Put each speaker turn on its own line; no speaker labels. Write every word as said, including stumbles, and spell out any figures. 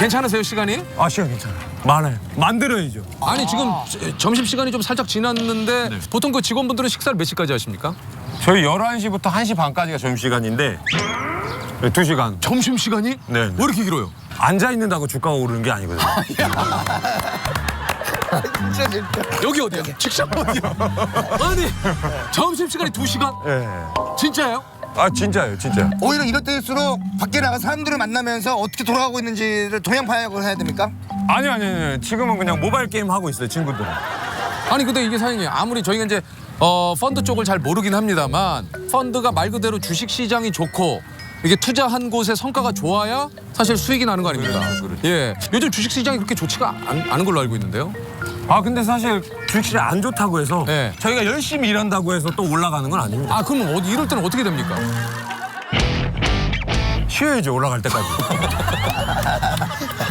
괜찮으세요, 시간이?
아, 시간 괜찮아요. 많아요. 만들어야죠.
아니, 지금 점심 시간이 좀 살짝 지났는데
네.
보통 그 직원분들은 식사를 몇 시까지 하십니까?
저희 열한 시부터 한 시 반까지가 점심시간인데 두 시간.
점심 시간이?
네.
왜 이렇게 길어요?
앉아있는다고 주가가 오르는 게 아니거든요.
진짜 진짜.
여기 어디야? 직장 어디야? 아니, 점심 시간이 두 시간?
예.
진짜예요?
아, 진짜예요, 진짜.
오히려 이럴 때일수록 밖에 나가 사람들을 만나면서 어떻게 돌아가고 있는지를 동양 파악을 해야 됩니까?
아니요, 아니요, 아니요. 지금은 그냥 모바일 게임 하고 있어요, 친구들은.
아니, 근데 이게 사장님, 아무리 저희가 이제 어, 펀드 쪽을 잘 모르긴 합니다만 펀드가 말 그대로 주식 시장이 좋고 이게 투자한 곳의 성과가 좋아야 사실 수익이 나는 거 아닙니까? 예. 요즘 주식 시장이 그렇게 좋지가 않, 않은 걸로 알고 있는데요.
아, 근데 사실 주식시장 안 좋다고 해서
네.
저희가 열심히 일한다고 해서 또 올라가는 건 아닙니다.
아, 그럼 어디 이럴 때는 어떻게 됩니까?
쉬어야죠, 올라갈 때까지.